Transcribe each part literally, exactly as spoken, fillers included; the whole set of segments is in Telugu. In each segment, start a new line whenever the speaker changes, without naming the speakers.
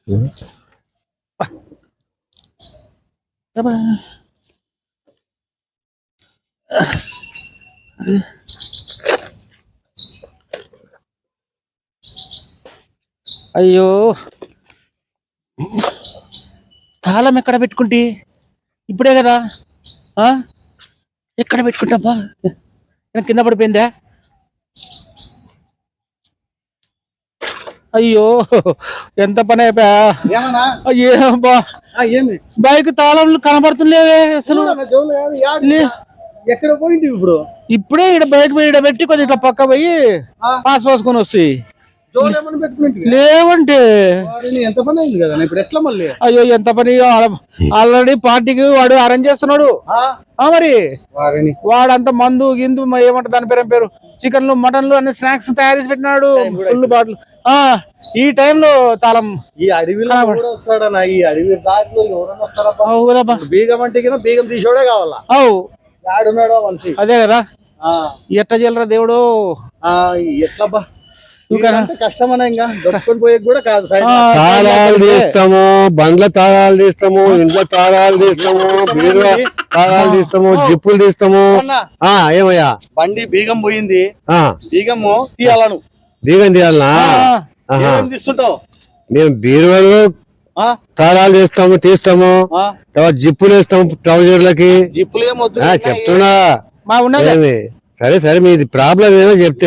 అయ్యో తాళం ఎక్కడ పెట్టుకుంటే ఇప్పుడే కదా ఎక్కడ పెట్టుకుంటాబ్బా కింద పడిపోయిందా అయ్యో ఎంత పని అయిపోయా బైక్ తాళంలు కనబడుతుండేవే అసలు
ఎక్కడ పోయింది ఇప్పుడు
ఇప్పుడే ఇక్కడ బైక్ మీద పెట్టి కొంచెం ఇట్లా పక్క పోయి పాస్ పోసుకొని వస్తాయి లేవంటే
ఎంత పని అయింది కదా ఇప్పుడు ఎట్లా మళ్ళీ
అయ్యో ఎంత పని ఆల్రెడీ పార్టీకి వాడు అరేంజ్ చేస్తున్నాడు మరి వాడంతా మందు గిందు ఏమంటారు దాని పేరు పేరు చికెన్లు మటన్లు అన్ని స్నాక్స్ తయారు చేసి పెట్టినాడు ఫుల్ బాటిల్ ఆ ఈ టైంలో తాళం
ఈ అడవిలో వస్తాడన్నా ఈ అడవి దారిలో ఎవరైనా వస్తారా బీగం అంటే బీగం తీసేవాడే కావాలా
అవు
ఆడున్నాడో మనిషి
అదే కదా ఎట్లా చేయలరా దేవుడు
ఎట్లా కష్టమనే ఇంకా దొరుకుని పోయే కూడా కాదు
తాళాలు తీస్తాము బండ్ల తాళాలు తీస్తాము ఇంట్లో తాళాలు తీస్తాము బీరువా తాళాలు తీస్తాము జిప్పులు తీస్తాము ఏమయ్యా
బండి బీగం పోయింది బీగము తీయాలను
బీగం తీయాలనా
తీస్తుంటావు
మేము బీరువాలు తాళాలు తీస్తాము తీస్తాము తర్వాత జిప్పులు వేస్తాము ట్రౌజర్లకి
జిప్పులు ఏమొద్దు
చెప్తున్నా సరే సరే మీది ప్రాబ్లం ఏదో చెప్తే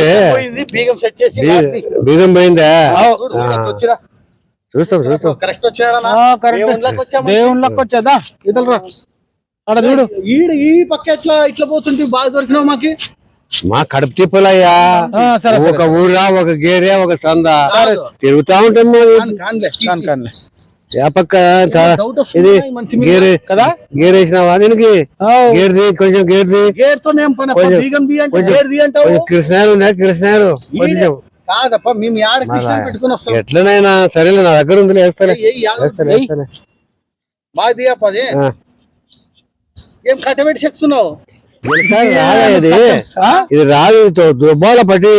బీగం పోయిందా చూస్తాం చూస్తాం
దేవుళ్ళకి వచ్చేదా ఇతరురా అక్కడ చూడు
ఈడ ఈ పక్క ఎట్లా ఇట్లా పోతుంటే బాగా దొరికినావు మాకి
మా కడుపు తిప్పలయ్యా ఒక ఊరా ఒక గేరే ఒక సంద తిరుగుతా ఉంటాం పక్క ఇది గేరే కదా గేర్ వేసినావా దీనికి గేర్ది కొంచెం గేర్ది కృష్ణారు ఉన్నాయి కృష్ణారు కొంచెం ఎట్లనైనా సరేలే నా దగ్గర ఉంది వేస్తానే వేస్తానే వేస్తానే
ఏం కట్టబెట్టి చెప్తున్నావు
రాదు ఇది రాదు దుబ్బాల పట్టి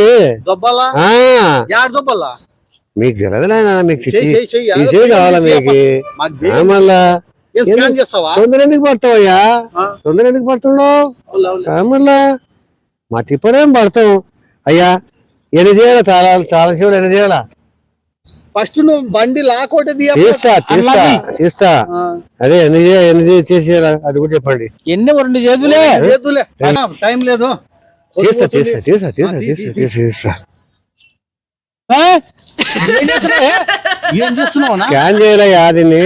దొబ్బలా
మీకు తెలియదు నాయన మీకు తీసే కావాలా మీకు మళ్ళా తొందర ఎందుకు పడతావయ్యా తొందర ఎందుకు పడుతున్నావు మళ్ళా మా తిప్పనేం పడతాం అయ్యా ఎన్ని చేయాలా చాలా చాలా సేవలు ఎన్ని చేయాలా
ఫస్ట్ నువ్వు బండి లాకోటి
తీస్తా తీస్తా తీస్తా అదే ఎన్ని ఎన్ని చేసేయాలా అది కూడా చెప్పండి
ఎన్ని రెండు చేతులే
చేతులే టైం లేదు
తీస్తా తీస్తా తీస్తా తీస్తా తీస్తా తీస్తా తీస్తా
ఏం చేస్తున్నావు
స్కాన్ చేయాలయ్యా దీన్ని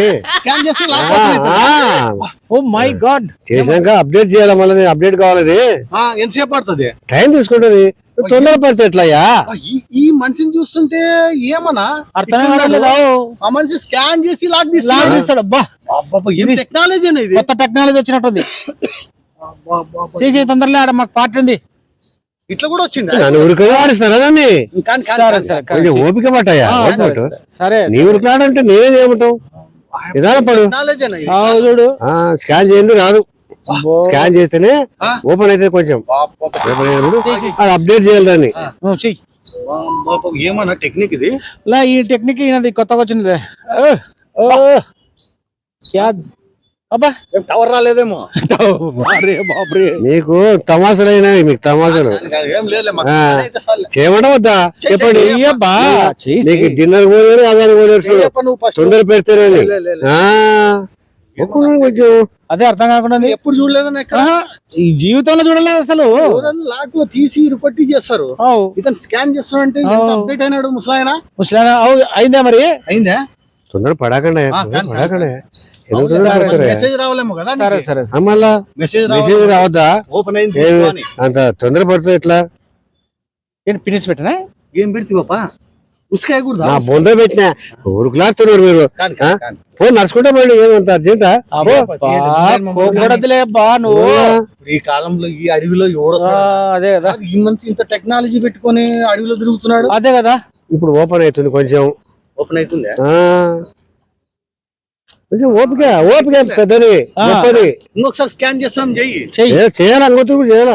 ఓ మై గాడ్
చేసినాక అప్డేట్ చేయాలి మళ్ళీ అప్డేట్ కావాలి
ఎంతసేపు పడుతుంది
టైం తీసుకుంటది తొందర పడితే ఎట్లయ్యా
ఈ మనిషిని చూస్తుంటే ఏమన్నా
అర్థం కాలేదు
ఆ మనిషి స్కాన్ చేసి లాక్
లాక్ తీస్తాడు అబ్బా
ఏం టెక్నాలజీ అనేది
కొత్త టెక్నాలజీ వచ్చినట్టుంది చేసే తొందరలే ఆడ మాకు పార్టీ ఉంది
ఇట్లా కూడా వచ్చింది
నన్ను ఉరికగా ఆడిస్తారా దాన్ని కొంచెం ఓపిక పట్టాయా
సరే
నీ ఉరికాడంటే నేనే చేయమంటావు విధానం పడు
చూడు
స్కాన్ చేయండి రాదు స్కాన్ చేస్తేనే ఓపెన్ అయితే కొంచెం ఓపెన్ అయినప్పుడు అది అప్డేట్ చేయాలి దాన్ని
ఏమన్నా టెక్నిక్ ఇది
ఈ టెక్నిక్ ఈయనది కొత్తగా వచ్చింది
టవర్ రాలేదేమో
మీకు తమాషలైనా మీకు తమాషలు చేయమంట వద్దా చెప్పండి నీకు డిన్నర్ పోలేరు అదాన్ని పోలేరు తొందర పెడతారని కొంచెం
అదే అర్థం కాకుండా
ఎప్పుడు చూడలేదని
ఈ జీవితంలో చూడలేదు అసలు
లాక్ తీసి ఇరుపట్టి చేస్తారు ఇతను స్కాన్ చేస్తాడు అంటే అప్డేట్ అయినాడు ముసలాయన
ముసలాయన అయిందా మరి
అయిందా
తొందర పడకండి పడకండి
మెసేజ్ రావాలేమో కదా
మళ్ళా మెసేజ్ రావద్దా
ఓపెన్ అయింది
అంత తొందర పడుతుంది ఎట్లా
ఫినిష్ పెట్టినా
ఏం పెడితే పాపా ఉసుకాయకూడదా
బొంద పెట్టినా ఉరుకులాడుతున్నారు మీరు ఫోన్ నడుచుకుంటా పోయి ఏమంత అర్జెంటా
నువ్వు
ఈ కాలంలో ఈ అడవిలో ఎవడో
అదే కదా
ఈ మంచి ఇంత టెక్నాలజీ పెట్టుకొని అడవిలో తిరుగుతున్నాడు
అదే కదా
ఇప్పుడు ఓపెన్ అవుతుంది కొంచెం
ఓపెన్ అవుతుంది
కొంచెం ఓపిక ఓపిక పెద్దది గొప్పది
ఇంకొకసారి స్కాన్ చేస్తాం చెయ్యి
చేయాలి అంగొత్తు కూడా చేయాలా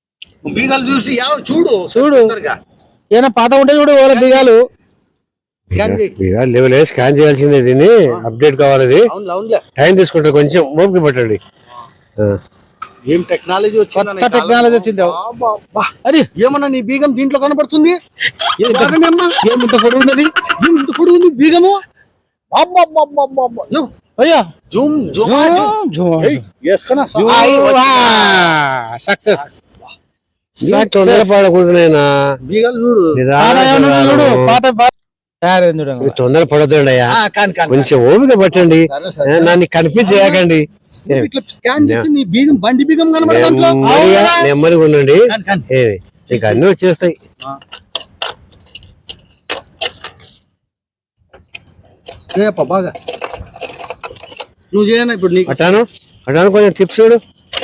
బీగాలు చూసి చూడు
చూడు ఏమైనా పాత ఉంటే చూడు వాళ్ళ బీగాలు
స్కాన్ చేయి.
లెవెల్ స్కాన్ చేయాల్సిందే, దీన్ని అప్డేట్ కావాలి, ఇది
అవును అవునులే.
టైం తీసుకుంటుంది, కొంచెం ఓపిక పట్టండి. ఆ.
ఏం టెక్నాలజీ వచ్చింది,
కొత్త టెక్నాలజీ వచ్చింది.
అరే ఏమన్నా నీ బీగం దీంట్లో కనబడుతుంది?
ఏమింత పొడుగు ఉన్నది,
ఇంత పొడుగు ఉంది బీగము. అబ్బబ్బబ్బబ్బబ్బ. యో,
అయ్యా
జూమ్ జూమ్ జూమ్. ఏయ్, వేసుకున్నా సా-
సక్సెస్
తొందరపడకూడదు నాయనా,
బీగాలు చూడు.
చూడు పాత తయారైంది చూడండి.
మీరు తొందర పడొద్దండి అయ్యా,
ఆ, కాని కాని
కొంచెం ఓపిక పట్టండి,
సరే, సరే.
నన్ను కనిపించేయకండి,
ఇట్లా స్కాన్ చేసి నీ బీగం బండి బీగం కనబడదు దాంట్లో.
నెమ్మదిగా నెమ్మదిగా ఉండండి,
కాని కాని
ఏమి నీకు అన్ని వచ్చేస్తాయి.
రేప బాగా నువ్వు చేయనా ఇప్పుడు నీకు
అటాను అటాను కొంచెం టిప్స్ చూడు.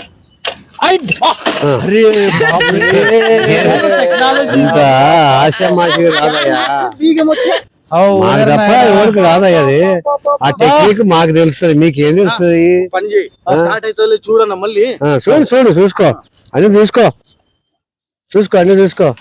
ఇంత ఆశామాషిగా రాదయ్యా,
బీగం వచ్చే
మాకు తప్ప ఎవరికి రాదయ్యా అది. ఆ టెక్నిక్ మాకు తెలుస్తుంది, మీకేం తెలుస్తుంది?
పని చేయి, స్టార్ట్ అయితే చూడన్నా మళ్ళీ.
ఆ, చూడు చూడు చూసుకో, అన్ని చూసుకో చూసుకో అన్ని చూసుకో.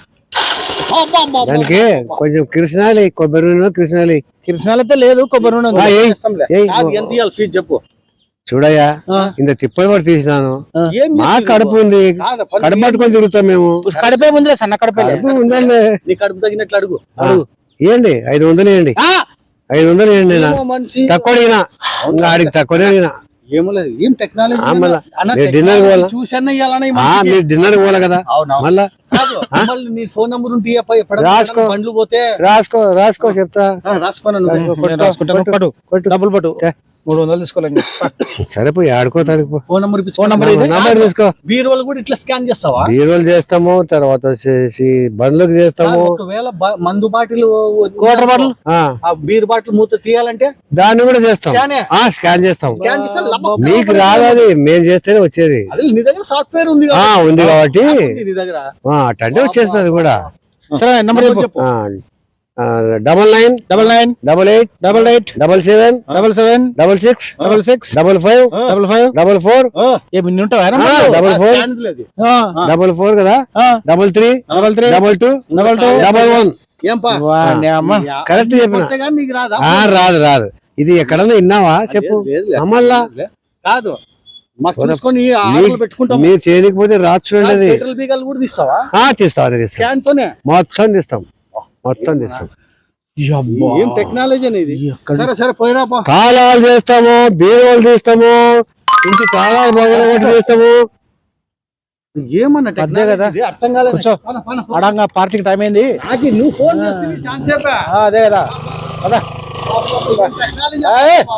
దానికి కొంచెం కిరసనాలి, కొబ్బరి నూనె కిరసనాలి.
కిరసనాలైతే లేదు, కొబ్బరి నూనె ఉంది.
ఆ, ఏయ్, ఏయ్.
కాదు, ఎంత ఇవ్వాలి ఫీజు చెప్పు.
చూడయ్యా, ఇంత తిప్పలు పడి తీసినాను,
ఏం
మా
చేస్తున్నావు?
కడుపు ఉంది,
కాదు, పని
కడుపు పట్టుకొని తిరుగుతాం మేము.
కడిపే ముందులే, సన్న కడిపే
కడుపు ఉందండి.
నీ కడుపు తగినట్లు అడుగు.
ఇవ్వండి, ఐదు వందలు ఇవ్వండి, ఐదు వందలు ఇవ్వండి. నా
ఏమో మనిషి
తక్కువ అడిగినా, ఇంకా ఆడికి తక్కువనే అడిగినా.
ఏమో లేదు, ఏం టెక్నాలజీ
ఆ, మళ్ళా
అన్న,
మీరు డిన్నర్
టెక్నాలజీ
పోవాలా?
చూసన్నా ఇవ్వాలన్నా ఈ
ఆ,
మనిషికి.
మీరు డిన్నర్ పోవాలి కదా,
అవునవును.
మళ్ళా
కాదు, మళ్ళీ నీ ఫోన్ నంబర్ ఉంటే ఇయ్యప్ప, ఎప్పుడన్నా
రాసుకో.
బండ్లు పోతే
రాసుకో రాసుకో చెప్తా.
ఆ, రాసుకోనా నువ్వు?
నేను రాసుకుంటాను. పట్టు
కొట్టు.
డబ్బులు పట్టు, మూడు వందలు తీసుకోలేండి.
సరిపోయి ఆడుకో తాడుకో,
ఫోన్ నంబర్ ఇప్పించు.
ఫోన్ నంబర్ ఇది.
నంబర్ తీసుకో.
బీరువాలు కూడా ఇట్లా స్కాన్ చేస్తావా?
బీరువాలు చేస్తాము, తర్వాత వచ్చేసి బండ్లకు చేస్తాము.
ఒకవేళ బ- మందు బాటిల్
క్వార్టర్ బాటిల్
ఆ,
ఆ బీర్ బాటిల్ మూత తీయాలంటే
దాన్ని కూడా చేస్తాం.
స్కానే.
ఆ, స్కాన్ చేస్తాం.
స్కాన్ చేస్తే లబ్బ-
మీకు రాదు, అది మేము చేస్తేనే వచ్చేది.
అదే నీ దగ్గర సాఫ్ట్వేర్ ఉంది
ఆ,
కదా?
ఉంది కాబట్టి
ఉంది నీ దగ్గర.
అటంటే వచ్చేస్తుంది కూడా.
సరే నెంబర్ చెప్పు.
చెప్పు.
Double nine
double nine
double eight
double eight
double seven
double seven
double six
double six
double five
double five
double four
ఆ,
ఏమి ఇన్ని ఉంటావా?
డబల్
ఆ
ఫోర్
స్కాన్ లేదు.
డబల్ ఫోర్ కదా, double three
double three
double two
double two
double one.
ఏం పా?
అమ్మ
కరెక్ట్ చెప్పిన.
కొడితే గానీ నీకు రాదా?
ఆ, రాదు రాదు. ఇది ఎక్కడన్నా విన్నావా చెప్పు.
లేదు, లేదు,
మమ్మల్లా
లేదు. కాదు, మాకు చూసుకొని ఆర్డర్లు పెట్టుకుంటాం.
మీరు చేయకపోతే రాదు చూడండి అది.
ఫెడరల్ బీగాలు కూడా తీస్తావా?
ఆ, తీస్తాం తీస్తాం,
స్కాన్ తోనే
మొత్తం తీస్తాం, మొత్తం తీస్తాం.
ఏం టెక్నాలజీ అనేది. సరే సరే పోయిరా పో.
తాళాలు చేస్తాము, బీరువాలు తీస్తాము, ఇంటి తాళాలు మొదలు తీస్తాము.
ఏమన్నా
అదే
టెక్నాలజీ
కదా.
ఇది? అర్థం కాలేదు.
కూర్చో.
పోనా, పోనా, పోనా.
అడంగా పార్టీకి టైం అయింది.
అది నువ్వు ఫోన్ చేస్తే ఛాన్స్ చెప్పా.
ఆ, అదే కదా. పద.
టెక్నాలజీ
ఏయ్.